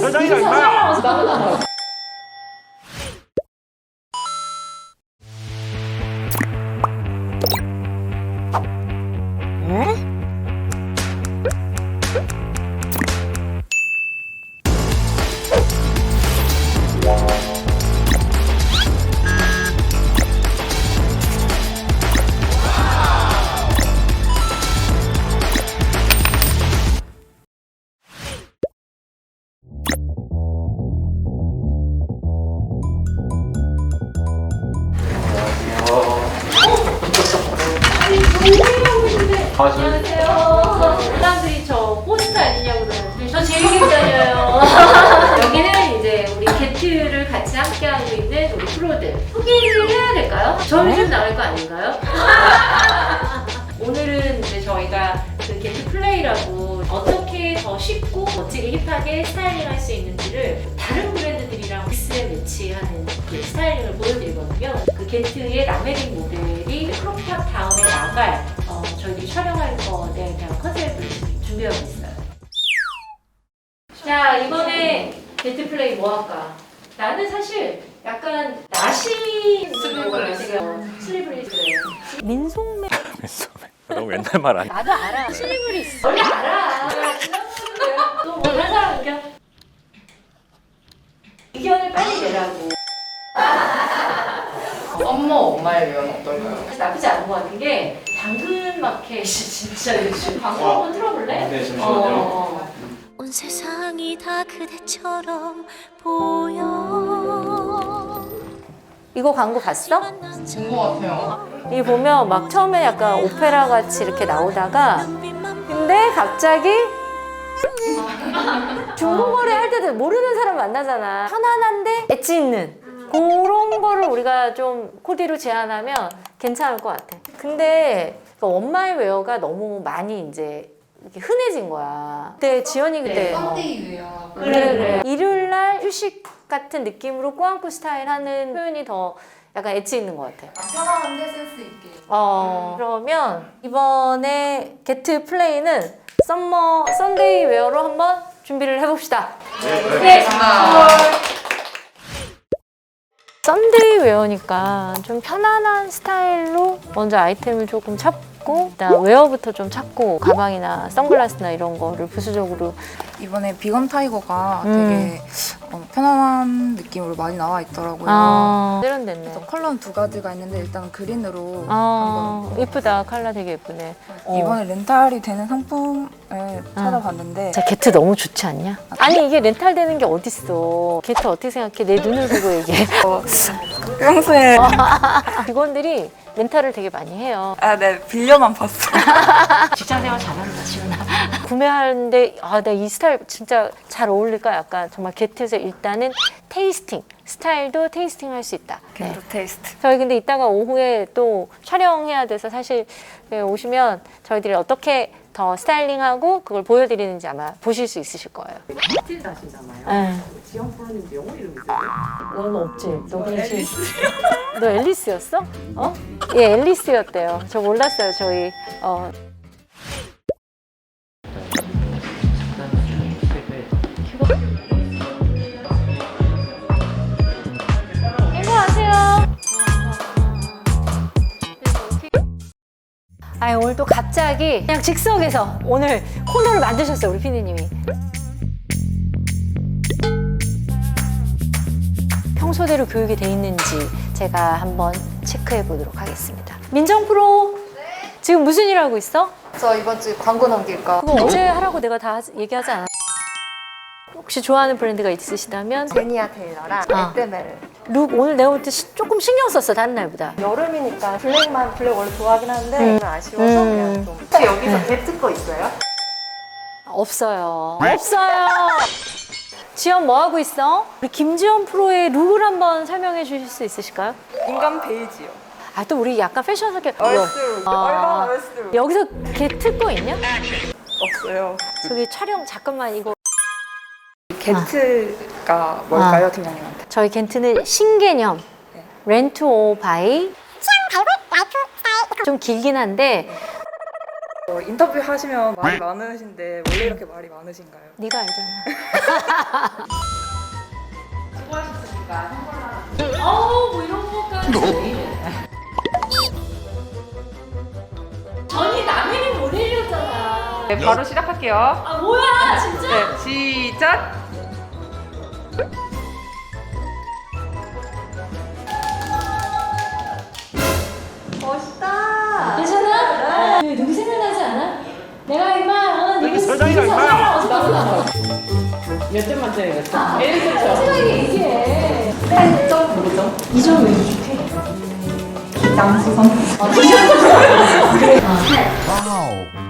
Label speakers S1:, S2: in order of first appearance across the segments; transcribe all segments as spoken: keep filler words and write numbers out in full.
S1: 서장이랑 임마!
S2: 안녕하세요. 사람들이 저 포스터 아니냐고 그러는데 저 제일 기다려요. 여기는 이제 우리 게트를 같이 함께하고 있는 우리 프로들 소개를 해야 될까요? 저희 좀 나올 거 아닌가요? 오늘은 이제 저희가 그 게트 플레이라고 어떻게 더 쉽고 멋지게 힙하게 스타일링 할 수 있는지를 다른 브랜드들이랑 믹스에 매치하는 그 스타일링을 보여드리거든요. 그 게트의 라메링 모델이 크롭탑 다음에 나갈 어, 저희들이 촬영할 거에 대한 컨셉을 준비하고 있어요. 자, 이번에 게트 플레이 뭐 할까? 나는 사실 약간 나시
S3: 슬리브리스.
S2: 슬리브리스 민속매
S1: 너무 옛날 말 아니야?
S2: 나도 알아. 슬리브리스 원래 알아. 또 뭐 한 사람 의견? 의견을 빨리 내라고.
S3: 엄마 엄마의 위험 어떨까요?
S2: 나쁘지 않은 것 같은 게 당근 마켓이 진짜 요즘 방송 한번 틀어볼래?
S1: 네, 잠시만요.
S2: 어.
S4: 온 세상이 다 그대처럼 보여.
S2: 이거 광고 봤어?
S3: 본 것 같아요.
S2: 이 보면 막 처음에 약간 오페라 같이 이렇게 나오다가 근데 갑자기 중국어를 할 때도 모르는 사람 만나잖아. 편안한데 엣지 있는 그런 거를 우리가 좀 코디로 제안하면 괜찮을 것 같아. 근데 그 원마이 웨어가 너무 많이 이제 이렇게 흔해진 거야. 그때 지연이 그때 어,
S3: 썬데이 웨어.
S2: 그래 그래 일요일 날 휴식 같은 느낌으로 꾸안꾸 스타일 하는 표현이 더 약간 엣지 있는 것 같아.
S3: 편안한데 센스 있게.
S2: 어 그러면 이번에 게트 플레이는 썸머 썬데이 웨어로 한번 준비를 해봅시다. 네.
S3: 알겠습니다.
S2: 썬데이 웨어니까 좀 편안한 스타일로 먼저 아이템을 조금 찾고 일단 웨어부터 좀 찾고 가방이나 선글라스나 이런 거를 부수적으로
S5: 이번에 비건 타이거가
S2: 음.
S5: 되게 어, 편안한 느낌으로 많이 나와 있더라고요.
S2: 아 세련됐네.
S5: 그래서 컬러는 두 가지가 있는데 일단 그린으로
S2: 아
S5: 한번
S2: 예쁘다. 컬러 되게 예쁘네. 어.
S5: 이번에 렌탈이 되는 상품을 찾아봤는데
S2: 진짜 게트 너무 좋지 않냐? 아니 이게 렌탈 되는 게 어딨어. 게트 어떻게 생각해? 내 눈을 보고 얘기해.
S5: 어, 평소에
S2: 직원들이 렌탈을 되게 많이 해요.
S5: 아, 네 빌려만 봤어요.
S2: 직장생활 잘한다 지훈아. 구매하는데 아, 나 이 스타일 진짜 잘 어울릴까? 약간 정말 게트에서 일단은 테이스팅 스타일도 테이스팅 할 수 있다. 네.
S5: 네. 테이스트.
S2: 저희 근데 이따가 오후에 또 촬영해야 돼서 사실 네, 오시면 저희들이 어떻게 더 스타일링하고 그걸 보여드리는지 아마 보실 수 있으실 거예요.
S6: 스틸 하시잖아요.
S2: 네.
S6: 지영 프로님도 영어 이름 있어요?
S2: 너는 없지? 너 그렇지? 너 앨리스였어? 어? 예, 앨리스였대요. 저 몰랐어요, 저희. 어. 안녕하세요. 아, 오늘 또 갑자기 그냥 즉석에서 오늘 코너를 만드셨어요, 우리 피디님이. 평소대로 교육이 돼 있는지 제가 한번 체크해 보도록 하겠습니다. 민정 프로, 지금 무슨 일 하고 있어?
S5: 저 이번 주 광고 넘길까?
S2: 그거 어제 하라고 내가 다 하지- 얘기하지 않았어? 혹시 좋아하는 브랜드가 있으시다면
S7: 제니아 테일러랑
S2: 아.
S7: 에뜨메를.
S2: 룩 오늘 내가 볼 때 조금 신경 썼어, 다른 날보다.
S7: 여름이니까 블랙만 블랙 원래 좋아하긴 한데
S2: 음.
S7: 오늘 아쉬워서
S2: 음.
S7: 그냥 좀. 혹시 여기서 게트 거 있어요?
S2: 없어요. 없어요. 지연 뭐 하고 있어? 우리 김지연 프로의 룩을 한번 설명해 주실 수 있으실까요?
S5: 인간 베이지요.
S2: 아, 또 우리 약간 패션스럽게
S7: 얼스룩.
S2: 아.
S7: 얼마나 얼스룩.
S2: 여기서 게트 거 있냐?
S5: 없어요.
S2: 저기 촬영 잠깐만 이거
S5: 게트가 뭘까요, 팀장님한테?
S2: 저희 겐트는 신개념 렌트 오 바이 좀 길긴 한데
S5: 어, 인터뷰 하시면 말이 많으신데 원래 이렇게 말이 많으신가요?
S4: 네가 알잖아.
S2: 어우 뭐 이런 것까지 전이 남에게 보내려잖아.
S3: 네, 바로 시작할게요.
S2: 아 뭐야 진짜?
S3: 네, 시작.
S7: 멋있다.
S2: 괜찮아? 왜 누구 생각나지 않아? 내가 임마 어, 누구
S1: 설정이다,
S2: 누구
S1: 임마.
S2: 사랑을 어디서 나오나?
S6: 몇 점 만점에 몇 점?
S2: 아, 솔직하게 얘기해. 팔 점? 몇 점? 이 점 왜 이렇게?
S3: 양수선.
S2: 아, 이 점? 그래. 아, 팔.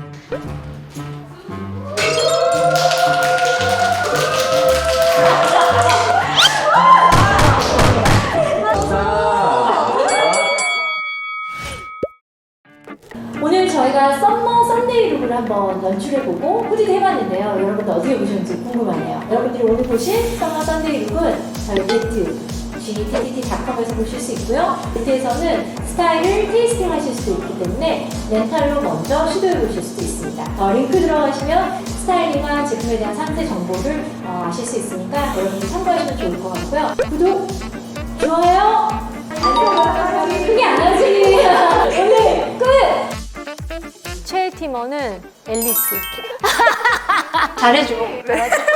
S2: 오늘 저희가 썸머 썸데이 룩을 한번 연출해보고 후디도 해봤는데요. 여러분들 어떻게 보셨는지 궁금하네요. 여러분들이 오늘 보신 썸머 썸데이 룩은 저희 네트 지티티티 닷컴에서 보실 수 있고요. 네트에서는 스타일을 테이스팅 하실 수도 있기 때문에 렌탈로 먼저 시도해보실 수도 있습니다. 어, 링크 들어가시면 스타일링한 제품에 대한 상세 정보를 어, 아실 수 있으니까 여러분들 참고하시면 좋을 것 같고요. 구독, 좋아요, 알림 크게 안 하지. 오늘 끝!
S4: 최애 팀원은 앨리스. 잘해줘.